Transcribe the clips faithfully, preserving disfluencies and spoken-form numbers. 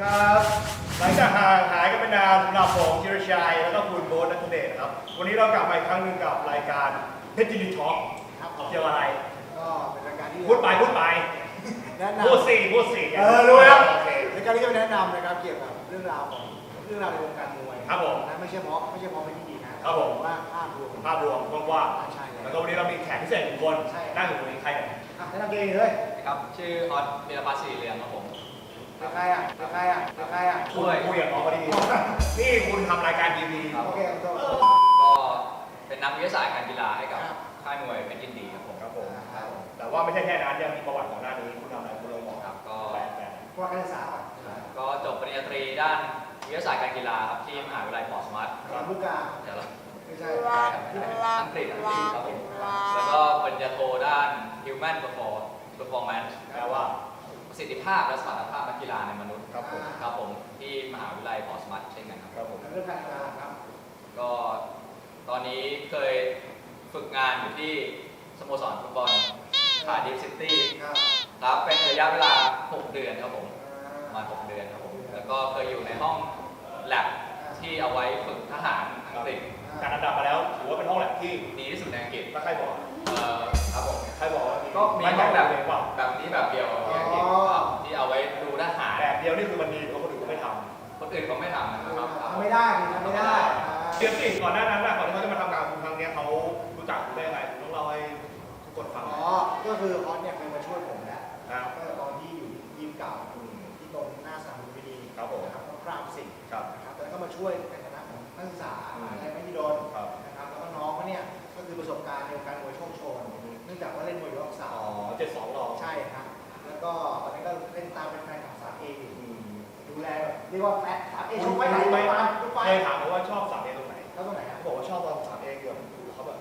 ครับหลังจากห่างหายกันไปนานสำหรับผมธีรชัยแล้วก็คุณโบ๊ทนัทเดชนะครับวันนี้เรากลับมาอีกครั้งหนึ่งกับรายการเพชรจินท็อกเกี่ยวอะไรก็เป็นรายการที่พูดไปพูดไปแนะนำพูดสี่พูดสี่เออรู้แล้วรายการที่จะแนะนำนะครับเกี่ยวกับเรื่องราวของเรื่องราวในวงการมวยครับผมนะไม่ใช่เพราะไม่ใช่เพราะเป็นที่ดีนะครับผมว่าภาพรวมภาพรวมกว้างๆใช่แล้วก็วันนี้เรามีแขกพิเศษหนึ่งคนนั่งอยู่ตรงนี้ใครเนี่ยแนะนำตัวเองเลยครับชื่อออสเบียร์พัชสีเรียงครับผมเป็นใครอ่ะเป็นใครอ่ะเป็นใครอ่ะคุยคุยกับน้องพอดีนี่คุณทำรายการทีวีโอเคครับก็เป็นนักวิทยาศาสตร์การกีฬาให้กับค่ายมวยเป็นยินดีครับผมครับผมแต่ว่าไม่ใช่แค่นั้นยังมีประวัติของหน้านี้คุณทำอะไรคุณเลยบอกครับก็ว่าการศึกษาก็จบปริญญาตรีด้านวิทยาศาสตร์การกีฬาครับที่มหาวิทยาลัยพอร์ตสมาร์ทลูกกาเดี๋ยวเราไม่ใช่อังกฤษอังกฤษครับผมแล้วก็ปริญญาโทด้าน Human Performance แปลว่าประสิทธิภาพและสมรรถภาพนักกีฬาในมนุษย์ครับผมครับผมที่มหาวิทยาลัยพอร์ตสมาร์ทเช่นกันครับครับผมเรื่องการกีฬาครับก็ตอนนี้เคยฝึกงานอยู่ที่สโมสรฟุตบอลคาร์ดิฟซิตี้ครับเป็นระยะเวลาหกเดือนครับผมประมาณหกเดือนครับผมแล้วก็เคยอยู่ในห้องแลบที่เอาไว้ฝึกทหารอังกฤษการอันดับมาแล้วถือว่าเป็นห้องแลบที่ดีที่สุดในอังกฤษถ้าใครบอกเอ่อครับผมใครบอกว่าก็มีห้องแบบแบบนี้แบบเดียวที่อังกฤษที่เอาไว้ดูทหารแบบเดียวนี่คือมันดีเพราะคนอื่นก็ไม่ทำคนอื่นเขาไม่ทำนะครับทำไม่ได้ทำไม่ได้เดี๋ยวสิก่อนหน้านั้นนะก่อนที่เขาจะมาทำงานคุณครั้งนี้เขารู้จักคุณได้ไงต้องเล่าให้ทุกคนฟังอ๋อก็คือออสเนี่ยเคยมาช่วยผมแล้วก็ตอนที่อยู่ยิมเก่าที่ตรงหน้าสนามบินดีครับผมครับก็กราบสิ่งครับนะครับแล้วก็มาช่วยในฐานะของนักศึกษาอะไรไม่ที่โดนนะครับแล้วก็น้องเขาเนี่ยก็คือประสบการณ์ในการมวยโชคโชนเนื่องจากว่าเล่นมวยยกสาวอ๋อเจ็ดสองหรอใช่ครับแล้วก็ตอนนี้ก็เล่นตามเป็นแฟนของสามเอดูแลเรียกว่าแฟนสามเอชกไปไหนไปมาทุกไปเคยถามเขาว่าชอบสามเอตรงไหนแล้วตรงไหนเขาบอกว่าชอบตอนสามเอเกี่ยวกับเขาแบบ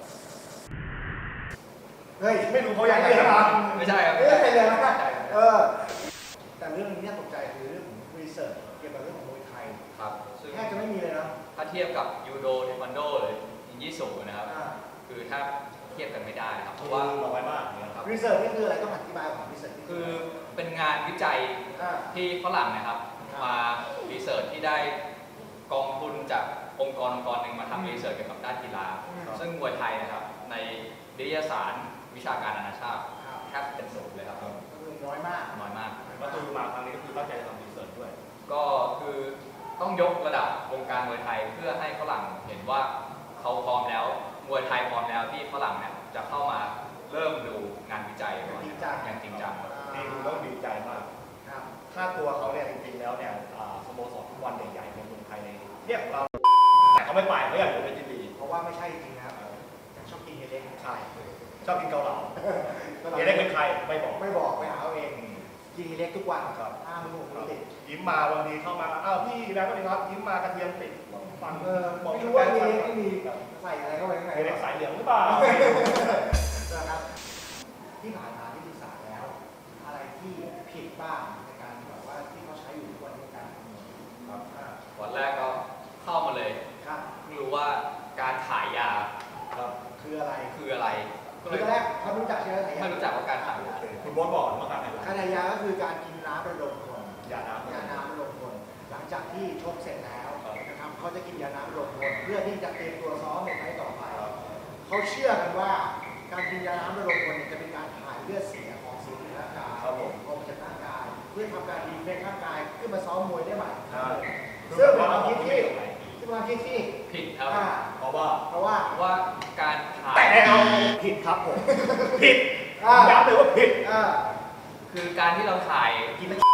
เฮ้ยไม่รู้เขาอยากเรียนอะไรไม่ใช่ครับไม่ใช่เลยนะเออแต่เรื่องนี้ตกใจคือเรื่องของรีเสิร์ชเกี่ยวกับเรื่องของมวยไทยครับแทบจะไม่มีเลยนะถ้าเทียบกับยูโดเทควันโดหรือยิงยี่สูนะครับคือถ้าเทียบกันไม่ได้ครับเพราะว่าน้อยมากนะครับรีเสิร์ชนี่คืออะไรต้องอธิบายก่อนรีเสิร์ชคือเป็นงานวิจัยที่ฝรั่งนะครับมารีเสิร์ชที่ได้กองทุนจากองค์กรองค์กรหนึ่งมาทำรีเสิร์ชเกี่ยวกับด้านกีฬาซึ่งมวยไทยนะครับในวิทยาศาสตร์วิชาการนานาชาติแทบเป็นศูนย์เลยครับก็คือน้อยมากน้อยมากก็คือมาครั้งนี้ก็คือตั้งใจทำรีเสิร์ชด้วยก็คือต้องยกระดับวงการมวยไทยเพื่อให้ฝรั่งเห็นว่าเขาพร้อมแล้วมวยไทยพร้อมแล้วที่ฝรั่งเนี่ยจะเข้ามาเริ่มดูงานวิจัยอย่างจริงจังอย่างจริงจังนี่คือต้องดีใจมากค่าตัวเขาเนี่ยจริงๆแล้วเนี่ยสโมสรฟุตบอลใหญ่ๆในเมืองไทยในเรียกเราแต่เขาไม่ไปเขาอยากอยู่ในจินดีเพราะว่าไม่ใช่จริงนะครับชอบกินเฮเล็กใช่ชอบกินเกาเหลาเฮเล็กเป็นใครไม่บอกไม่บอกไปหาเอาเองกินเฮเล็กทุกวันครับอ้าวมึงติดยิ้มมาวันนี้เข้ามาอ้าวพี่แล้วก็ดีครับยิ้มมากระเทียมติดฟังเออไม่รู้ว่าเฮเล็กไม่มีใส่อะไรเข้าไปข้างในเฮเล็กสายเหลืองหรือเปล่านะครับที่ผ่านมาที่ศึกษาแล้วอะไรที่ผิดบ้างในการแบบว่าที่เขาใช้อยู่ทุกวันในการครับวันแรกก็เข้ามาเลยครับไม่รู้ว่าการขายยาครับคืออะไรคืออะไรคือตอนแรกเขารู้จักใช่ไหมไม่รู้จักว่าการขายยาคุณบอสบอกว่าการขายยาการขายยาก็คือการกินน้ำระดมคนยาน้ำยาน้ำระดมคนหลังจากที่ชกเสร็จแล้วนะครับเขาจะกินยาน้ำระดมคนเพื่อที่จะเตรียมตัวซ้อมในไฟต์ต่อไปเขาเชื่อกันว่าการกินยาน้ำระดมคนจะเป็นการถ่ายเลือดเสียของเสียในร่างกายออกมาจากร่างกายเพื่อทำการดีเฟกร่างกายขึ้นมาซ้อมมวยได้ใหม่ซึ่งเป็นความคิดที่ที่ความคิดที่ผิดครับเพราะว่าเพราะว่าว่าการถ่ายแต่เอาผิดครับผมผิดย้ำเลยว่าผิดคือการที่เราถ่ายกินไม่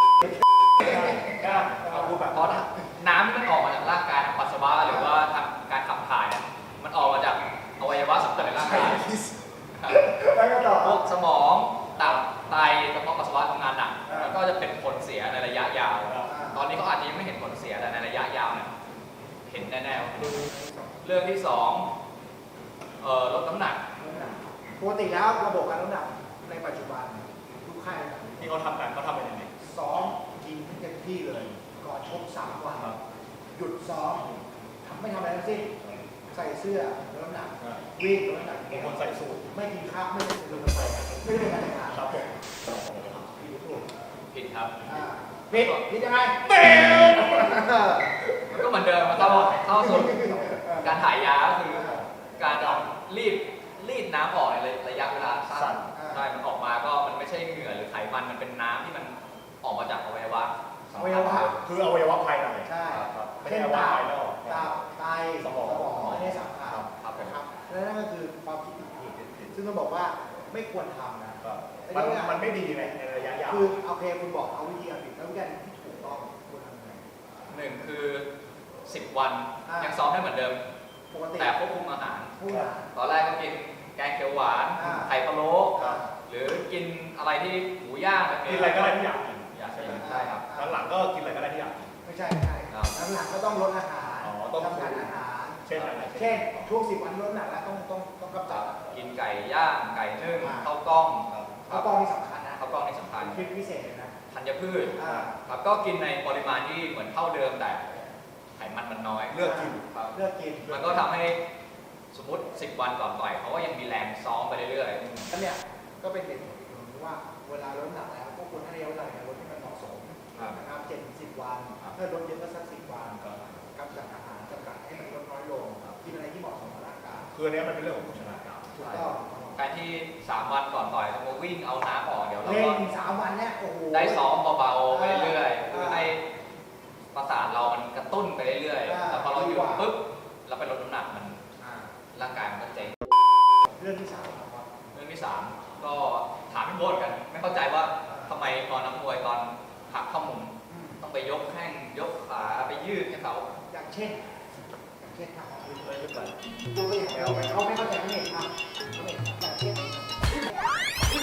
เอาพูดแบบเพราะน้ำที่มันออกมาจากร่างกายทางปัสสาวะหรือว่าทางการขับถ่ายเนี่ยมันออกมาจากอวัยวะสำคัญในร่างกายพวกสมองตับไตกระเพาะปัสสาวะทำงานหนักแล้วก็จะเป็นผลเสียในระยะยาวตอนนี้เขาอาจจะยังไม่เห็นผลเสียแต่ในระยะยาวเนี่ยเห็นแน่ๆเรื่องที่สองเอ่อลดน้ำหนักปกติแล้วระบบการลดน้ำหนักในปัจจุบันทุกค่ายที่เขาทำกันเขาทำเป็นยังไงซ้อมกินเต็มที่เลยก่อนชกสามวันหยุดซ้อมทำไม่ทำอะไรทั้งสิ้นใส่เสื้อลดน้ำหนักวิ่งลดน้ำหนักบางคนใส่สูทไม่กินข้าวไม่กินลมไปไม่ได้เป็นการทำครับผมผิดครับผิดผิดยังไงแมวมันก็เหมือนเดิมมันเข้าเข้าสู่การถ่ายยาก็คือการเอารีดรีดน้ำออกในระยะเวลาสั้นใช่มันออกมาก็มันไม่ใช่เหงื่อหรือไขมันมันเป็นน้ำที่มันออกมาจากอวัยวะอวัยวะคืออวัยวะภายในใช่ครับไม่เช่ใช่นอวัยวะตับภายนอกตับไตสมองอันนี้สำคัญครับผมนะครับและนั่นก็คือความคิดผิดๆซึ่งต้องบอกว่าไม่ควรทำนะครับมันมันไม่ดีในในระยะยาวคือโอเคคุณบอกเอาวิธีการผิดแล้ววิธีการที่ถูกต้องควรทำยังไงหนึ่งคือสิบวันอ่ายัยังซ้อมได้เหมือนเดิมปกติแต่ควบคุมอาหารผู้บริหารตอนแรกก็กินแกงเขียวหวานอ่าไข่พะโล้อ่าหรือกินอะไรที่หมูย่างแบบกินี้นอะไรก็ได้ที่อยากกินอยากกินใช่ครับหลังๆก็กินอะไรก็ได้ที่อยากกินไม่ใช่ไม่ใช่ครับหลังๆก็ต้องลดอาหารอ๋อต้องจำกัดอาหารเช่นอะไรเช่นช่วงสิบวันลดหนักแล้วต้องต้องต้องกำจัดกินไก่ย่างไก่นึ่งอ่าข้าวกล้องข้าวกล้องนี่สำคัญนะข้าวกล้องนี่สำคัญทริปพิเศษเลยนะธัญพืชอ่าครับก็กินในปริมาณที่เหมือนเท่าเดิมแต่ไขมันมันน้อยเลือกกินครับเลือกกินมันก็ทำให้สมมติสิบวันก่อนต่อยเขาก็ยังมีแรงซ้อมไปเรื่อยแล้วเนี่ยก็เป็นเหตุผลอีกหนึ่งว่าเวลาลดน้ำหนักแล้วก็ควรให้ระยะเวลาในการลดที่มันเหมาะสมนะครับเจ็ดถึงสิบวันถ้าลดเยอะก็สักสิบวันกำจัดอาหารจำกัดให้มันลดน้อยลงกินอะไรที่เหมาะสมกับร่างกายคืออันเนี้ยมันเป็นเรื่องของโภชนาการถูกต้องๆการที่สามวันก่อนต่อยเรามาวิ่งเอาน้ำออกเดี๋ยวเราเล่ก็นสามวันเนี่ยโอ้โหได้ซ้อมเบาๆไปเรื่อยๆอ่าเพื่อให้ประสาทเรามันกระตุ้นไปเรื่อยอ่าๆแล้วพอเราหยุดีดกว่าปุ๊บเราไปลดน้ำหนักมันอ่าร่างกายมันก็เจ๊งเรื่องที่สามครับเรื่องที่สามก็ถามพี่โบ๊ทกัน ไม่เข้าใจว่าทำไมตอนนักมวยตอนหักเข้ามุมอืมต้องไปยกแข้งยกขาไปยืดให้เขาอย่างเช่นอย่างเช่นครับเอ้ยไม่เป็นไรดูตัวอย่างเราเขาไม่เข้าใจไม่เห็นครับไม่เห็นอย่างเช่น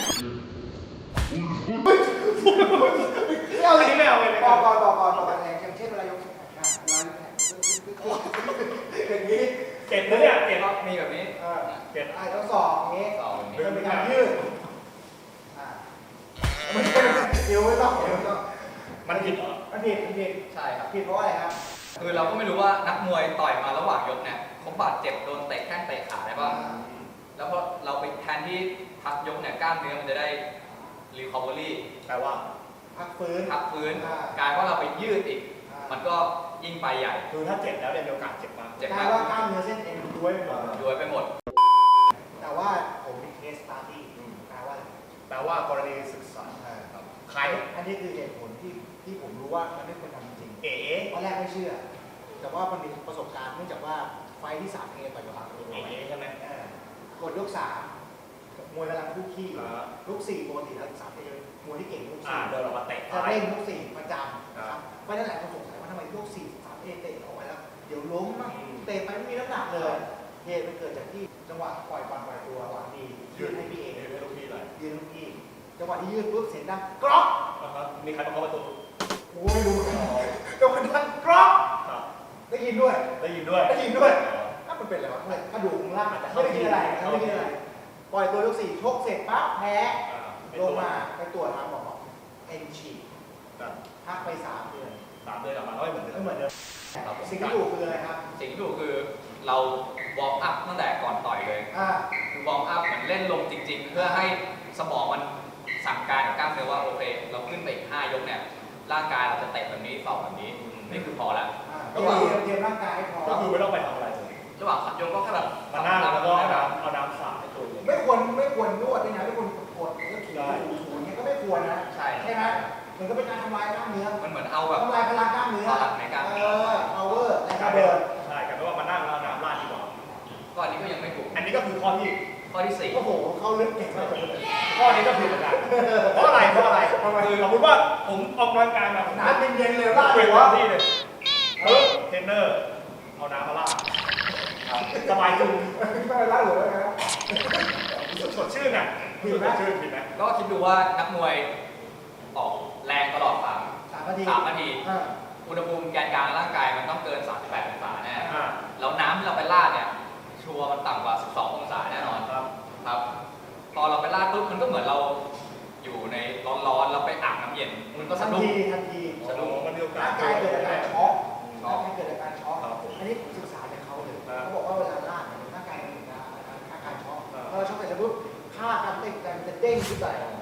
ไม่เอาเลยไม่เอาเลยต่อก่อนต่อก่อนต่อก่อนอย่างเช่นเวลายกแขนนะเวลายกแขนอย่างนี้เจ็บนะเนี่ยเจ็บก็มีแบบนี้เออเจ็บอ่าต้องสอบอย่างนี้ต่อแบบนี้มันเป็นการยืดอ่าไม่ใช่เดี๋ยวไม่ต้องเดี๋ยวไม่ต้องมันผิดเหรอมันผิดมันผิดใช่ครับผิดเพราะอะไรครับคือเราก็ไม่รู้ว่านักมวยต่อยมาระหว่างยกเนี่ยเขาบาดเจ็บโดนเตะแข้งเตะขาได้ป่ะ แล้วพอเราไปแทนที่พักยกเนี่ยกล้ามเนื้อมันจะได้รีคอเวอรี่แปลว่าพักฟื้นพักฟื้นอ่ากลายว่าเราไปยืดอีกอ่ามันก็ยิ่งไปใหญ่คือถ้าเจ็บแล้วเนี่ยมีโอกาสเจ็บมากเจ็บกลายว่ากล้ามเนื้อเส้นเอ็นย้วยไปหมดย้วยไปหมดแต่ว่าผมมีเคสสตาร์ดี้แปลว่าอะไรแปลว่ากรณีศึกษาครับใครอันนี้คือเหตุผลที่ที่ผมรู้ว่ามันไม่ควรทำจริงเอ๋ตอนแรกไม่เชื่อ แต่ว่ามันมีประสบการณ์เนื่องจากว่าไฟท์ที่สามเอต่อยกับบางตัวเอ๋ใช่ไหมกดยกสามมวยกำลังคู่ขี้อ่าลูกสี่ปกติแล้วสามเอมวยที่เก่งลูกอ่าสี่เดินออกมาเตะจะเร่งลูกสี่ประจำคนะรับครับเพราะฉะนั้นหลายคนสงสัยว่าทำไมลูกสี่สามเอเตะออกไปแล้ว เดี๋ยวล้มมั่งอืมเตะไปไม่มีน้ำหนักเลยเหตุมันเกิดจากที่จังหวะปล่อยบอลปล่อยตัวหวังดียืดให้พี่เอเอ๋ไม่รู้พี่อะไรยืนลูกพี่จังหวะที่ยืดปุ๊บเสียงดังกรอกนะครับมีใครมาเคาะประตูโอ้ไม่รู้จังหวะดังกรอกครับได้ยินด้วยได้ยินด้วยได้ยินด้วยถ้ามันเป็นอะไรวะกระดูกข้างล่างอาจจะไม่ได้กินอะไรไม่ได้กินอะไร ปล่อยตัวลูกสี่ชกเสร็จปั๊บแพ้อ่าไม่ลตังวมาไปตรวจมาบอกว่าเอ็นฉีกครับพักไปสามเดือนสามเดือนกลับมาก็ไม่เหมือนเดิไม่มเหมือนเดิมครับผมสิ่งที่ถูกคืออะไรครับสิ่งที่ถูกคือเราวอร์มอัพตั้งแต่ก่อนต่อยเลยอ่าคือวอร์มอัพเหมือนเล่นลงจริง ๆ เพื่อให้สมองมันสั่งการกับกล้ามเนื้อว่าโอเค เราขึ้นไปอีกห้ายกเนี่ยร่างกายเราจะเตะแบบนี้สอบแบบนี้นี่คือพอแล้วอ่าเตรียมเตรียมร่างกายให้พร้อก็มคือไม่ต้องไปทำอะไรเลยระหว่างขัดยกก็แค่แบบมานั่งแล้วก็เอาแบบน้ำเอาน้ำสาดให้ตัวเองไม่ควรไม่ควรนวดด้วยนะไม่ควรกดแล้วถูถูถูอย่างเงี้ยก็ไม่ควรนะใช่ใช่ไหมมันก็เป็นการทำลายกล้ามเนื้อมันเหมือนเอาแบบทำลายพลังกล้ามเนื้อพลังในกล้ามเอเนื้ออ power แรงกระเดินใช่กลายเป็นว่ามานั่งแล้วเอาน้ำราดดีกว่าก็อันนี้ก็ยังไม่ถูกอันนี้ก็คือข้อที่ข้อที่สี่โอ้โหเขาลึกเก่งมากเลยข้อนี้ก็ผิดเหมือนกันเพราะอะไรเพราะอะไรคือสมมติว่าผมออกกำลังกายมาผมน้ำเย็นๆเลยว่าว่าเปลี่ยนหัวที่เลยเออเทรนเนอร์เอาน้ำมาราดสบายจุงไม่เป็นไรหัวแล้วนะสดชื่นอ่ะรู้สึกสดชื่นผิดไหมก็คิดดูว่านักมวยออกแรงตลอดสามสามนาทีสามนาทีอ่าอุณหภูมิแกนกลางร่างกายมันต้องเกิน สามสิบแปด องศาแน่อ่าแล้วน้ำที่เราไปราดเนี่ย ชัวร์มันต่ำกว่า สิบสอง องศาแน่นอนครับครับ พอเราไปราดปุ๊บมันก็เหมือนเราอยู่ในร้อนๆเราไปอาบน้ำเย็น มันก็ทัสะนดุ้งทีทันทีสนุกมันมีโอกาสร่างกายเกิดอาการช็อกช็อกร่างกายเกิดอาการช็อกครับผมอันนี้ผมศึกษาจากเขาเลยอ่าเขาบอกว่าเวลาล่าเนี่ยร่างกายมันมีอาการอาการช็อกอ่าพอเราช็อกเสร็จแล้วปุ๊บค่าการเต้นมันจะเด้งขึ้นไป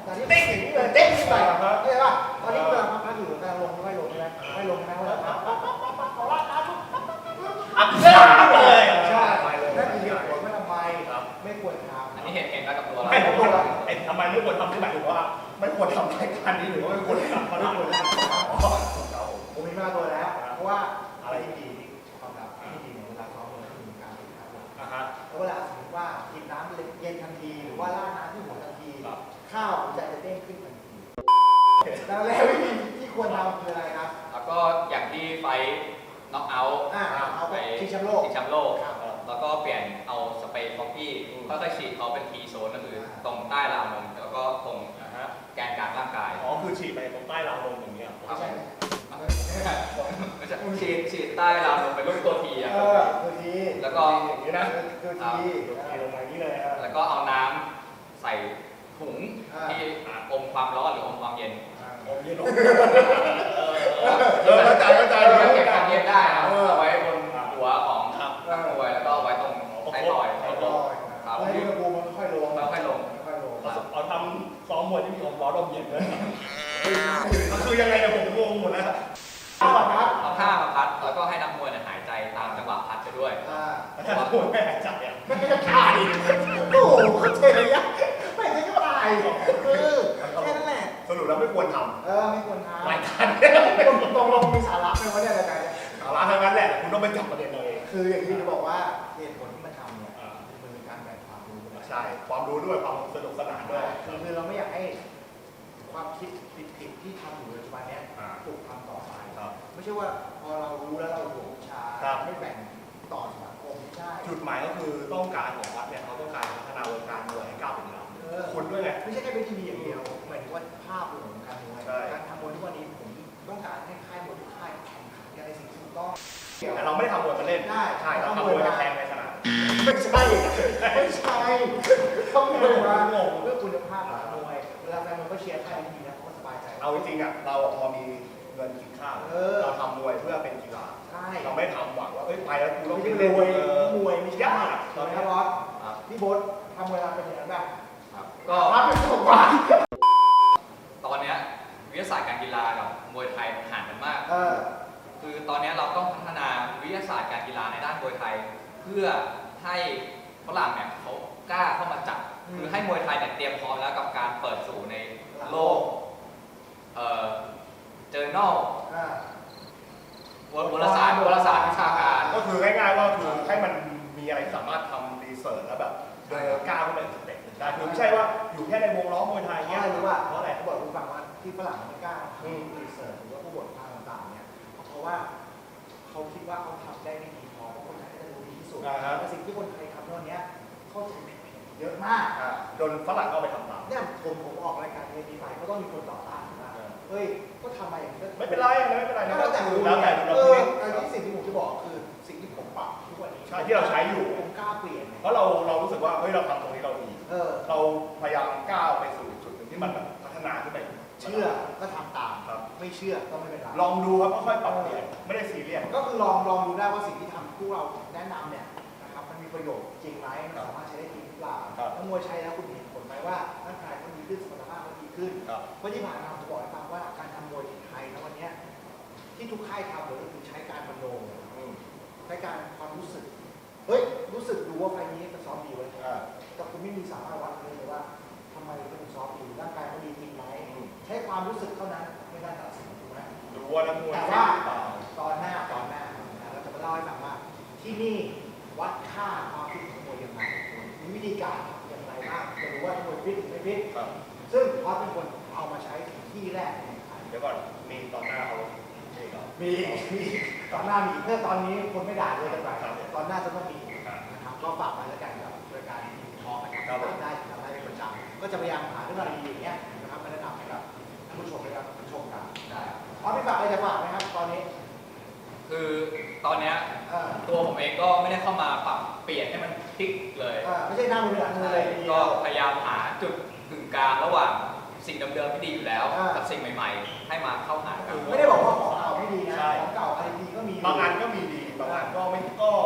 ตอนนี้เต้นอย่างนี้เลยเต้นขึ้นไปเข้าใจป่ะตอนนี้เวลาพักอยู่กำลังลงไม่ลงใช่ไหมไม่ลงใช่ไหมเวลาพักปั๊บปั๊บปั๊บปั๊บขอลาดน้ำปุ๊บปั๊บปั๊บปั๊บอัพเลยใช่นั่นคือเหตุผลว่าทำไมไม่ควรทำอันนี้เห็นเห็นแล้วกับตัวเราไม่ผมว่าไอ้ทำไมไม่ควรทำที่หมายถึงว่าไม่ควรทำรายการนี้หรือว่าไม่ควรทำไม่ควรทำทำผมมีมาตัวแล้ว เพราะว่าอะไรที่ดีความลับที่ดีเวลาซ้อมมันคือการฝึกครับอ่าฮะแล้วเวลาสมมติว่ากินน้ำเย็นทันทีหรือว่าราดน้ำที่หัวทันทีข้าวหัวใจจะเด้งขึ้นทันทีแล้วแล้ววิธีที่ควรทำคืออะไรครับแล้วก็อย่างที่ไฟน็อกเอาท์อ่าเอาไปชิงแชมป์โลกชิงแชมป์โลกครับแล้วก็เปลี่ยนเอาสเปรย์คอฟฟี่ค่อยๆฉีดเขาเป็นทีโซนก็คือตรงใต้ราวนมแล้วก็ตรงอ่าฮะแกนกลางร่างกายอ๋อคือฉีดไปตรงใต้ราวนมอย่างเงี้ยไม่ใช่ไม่ใช่ฉีดฉีดใต้ราวนมเป็นรูปตัวทีอะเออคือทีแล้วก็อย่างนี้นะคือทีฉีดลงมาอย่างนี้เลยฮะแล้วก็เอาน้ำใส่ถุงที่อมความร้อนหรืออมความเย็นอมเย็นลงเออเออเข้าใจเข้าใจเก็บความเย็นได้นะเอาไว้บนหัวของนักมวยแล้วก็เอาไว้ตรงไทยทอยไอ้ลอยแล้วอุณหภูมิมันค่อยลงแล้วค่อยลงค่อยลงเอาทำซ้อมมวยที่มีอมร้อนอมเย็นเลยคือยังไงเนี่ยผมงงหมดแล้วข้าวครับเอาผ้ามาพัดแล้วก็ให้นักมวยเนี่ยหายใจตามจังหวะพัดไปด้วยอ่าถ้าพูดไม่หายใจอ่ะไม่จะตายโอ้โหเข้าใจเลยยะไม่ใช่ก็ตายเออแค่นั้นแหละสรุปแล้วไม่ควรทเออไม่ควรทำำรายการเนี่ยตรงตรงลงมีสาระไหมวะเนี่ยรายการเนี่ยเอาละทั้งนั้นแหละคุณต้องไปจับประเด็นเราเองคืออย่างที่จะบอกว่าเหตุผลที่มันทำเนี่ยมันเป็นการแบ่งความรู้นะใช่ความรู้ด้วยความสนุกสนานด้วยคือคือเราไม่อยากให้ความคิดผิดๆที่ทำอยู่ปัจจุบันเนี้ยถูกทำต่อไปครับไม่ใช่ว่าพอเรารู้แล้วเราหวงชาครับไม่แบ่งต่อสังคมไม่ใช่จุดหมายก็คือต้องการของวัดเนี่ยเขาต้องการพัฒนาวงการมวยให้ก้าวเป็นลเออำคุณด้วยไงไม่ใช่แค่เป็นทีวีอย่างเดียวหมายถึงว่าภาพรวมของการมวยใช่การทำมวยทุกวันนี้ผมต้องการให้ค่ายมวยทุกค่ายแข่งขันกันในสิ่งที่ถูกต้องแต่เราไม่ได้ทำมวยมาเล่นได้ใช่เราทำมวยมาแทงในสนามไม่ใช่ไม่ใช่ต้องมวยมางงเรื่องคุณภาพของมวยเวลาแฟนมวยก็เชียร์ค่ายนี้ดีนะเขาก็สบายใจเอาจริงๆอ่ะเราพอมีเงินกินข้าวเออเราทำมวยเพื่อเป็นกีฬาใช่เราไม่ทำหวังว่าเอ้ยไปแล้วกูต้องไม่ไปใช่เล่นมวยเออมวยไม่ใช่ยากตอนนี้บอสพี่โบ๊ททำเวลาเป็นอย่างนั้นแบบก็ภาพเป็นสุขภาพตอนเนี้ยวิทยาศาสตร์การกีฬากับมวยไทยห่างกันมากเออคือตอนเนี้ยเราต้องพัฒนาวิทยาศาสตร์การกีฬาในด้านมวยไทย เพื่อให้ฝรั่งเนี่ยเขากล้าเข้ามาจับอืมคือให้มวยไทยเนี่ยเตรียมพร้อมแล้วกับการเปิดสู่ในโลกเอ่อเจอแนลอ่าวารสารวารสารวิชาการก็คือง่ายๆว่าคือให้มันมีอะไรสามารถทำรีเสิร์ชแล้วแบบเดินก้าวขึ้นไปสเต็ปหนึ่งได้คือไม่ใช่ว่าอยู่แค่ในวงล้อมวยไทยเพราะเงี้ยอะไรรู้ป่ะเพราะอะไรเขาบอกคุณฟังว่าที่ฝรั่งไม่กล้าอืมทำรีเสิร์ชหรือว่าผู้บทความต่างๆเนี่ยเพราะว่าเขาคิดว่าเขาทำได้ไม่ดีพอเพราะคนไทยก็จะรู้ดีที่สุดอ่าฮะแต่สิ่งที่คนไทยทำตอนเนี้ยเข้าใจผิดๆเยอะมากอ่าโดนฝรั่งเข้าไปทำตามเนี่ยผมผมออกรายการเอพีไฟก็ต้องมีคนต่อต้านว่าเฮ้ยก็ทำมาอย่างนี้ก็ไม่เป็นไรไม่เป็นไรนะแล้วแต่คืคุอณแล้วแต่เอเราอคิดอันนี้สิ่งที่ผมจะบอกคือสิ่งที่ผมปรับทุกวันนี้ใช่ที่เราใช้อยู่ผมกล้าเปลี่ยนเนี่ยเพราะเราเรารู้สึกว่าเฮ้ยเราทำตรงนี้เราดีเออเราพยายามก้าวไปสู่จุดหนึ่งที่มันแบบพัฒนาขึ้นไปเชื่อก็ทำตามครับไม่เชื่อก็ไม่เป็นไรลองดูครับค่อยๆปรับเปลี่ยนไม่ได้ซีเรียสก็คือลองลองดูได้ว่าสิ่งที่ทำพวกเราแนะนำเนี่ยนะครับมันมีประโยชน์จริงไหมมันสามารถใช้ได้จริงหรือเปล่าครับแล้วมวยใช้แล้วคุณเห็นผลไหมว่าร่างกายเขาดีขึ้นสุขภาพเขาดีขึ้นครับเพราะที่ผ่านมาผมบอกให้ฟังว่าการทำมวยที่ไทยนะวันเนี้ยที่ทุกค่ายทำเลยก็คือใช้การมโนอืมใช้การความรู้สึกเฮ้ยรู้สึกดูว่าไฟล์นี้มันซ้อมดีเว้ยอ่าแต่คุณไม่มีสามารถวัดเลยเลยว่าทำไมเขาถึงซ้อมดีร่างกายเขาดีจริงไหมใช้ความรู้สึกเท่านั้นไม่ได้ตัดสินถูกไหมดูว่านักมวยแต่เก่ว่างหรือเปล่าตอนหน้าตอนหน้านะเราจะมาเล่าให้ฟังว่าที่นี่วัดค่าความฟิตของมวยยังไงมีวิธีการอย่างไรบ้างจะรู้ว่ามวยฟิตหรือไม่ฟิตครับซึ่งเขาเป็นคนเอามาใช้ที่แรกในไทยเดี๋ยวก่อนมีตอนหน้าเอาเอกเหรอมีมีตอนหน้ามีเพื่อตอนนี้คนไม่ด่าเลยกันไปครับตอนหน้าจะต้องมีครับนะครับก็ฝากไว้แล้วกันกับรายการทีทอล์กนะคครัรับบ ผมได้ทำได้เป็นประจำก็จะพยายามหาเรื่องราวดีๆอย่างเงี้ยนะครับมาแนะนำให้กับท่านผู้ชมและกับผู้ชมกันได้อ๋อพี่ฝากอะไรจะฝากไหมครับตอนนี้คือตอนเนี้ยเออตัวผมเองก็ไม่ได้เข้ามาปรับเปลี่ยนให้มันพลิกเลยเออไม่ใช่หน้ามือหลังมือเลยทีเดีก็ยวพยายามหาจุดกึ่งกลางระหว่างสิ่งเดิมๆที่ดีอยู่แล้วอ่ากักับสิ่งใหม่ๆ ให้มาเข้าหากันไม่ได้บอกว่าของเก่าไม่ดีนะใช่ของเก่าอะไรดีก็มีบางอันก็มีดีบางอันก็ไม่ก็คือ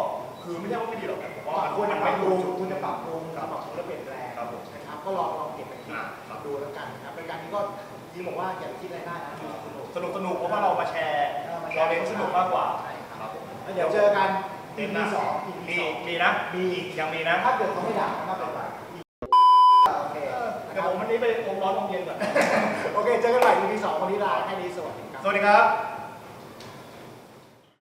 คือไม่ใช่ว่าไม่ดีหรอกนะผมว่าว่ามันควรมัจะนปรัไม่บปถูรุกงจุดคุณจะปรับปรุงปรับปรุงและเปลี่ยนแปลงครับผมนะครับก็ลองลองเก็บไปคิดอ่าครับดูแล้วกันนะครับรายการนี้ก็จริงบอกว่าอย่าไปคิดอะไรได้นะดูสนุกสนุกสนุกเพราะว่าเรามาแชร์เออมาแชร์เราเน้นสนุกมากกว่าใช่ครับครับผมแล้วเดี๋ยวเจอกันเดือีอนหพีน้าสองอีมีพีสองมีนะ มียังมีนะถ้าเกิดเขาไม่ด่าก็ไม่เป็นไรโอเคเดี๋ยวผมวันนี้ไปอมร้อนอมเย็นก่อนโอเค เจอกันใหม่ อี พี สองวันนี้ลาแค่นี้สวัสดีครับสวัสดีครับ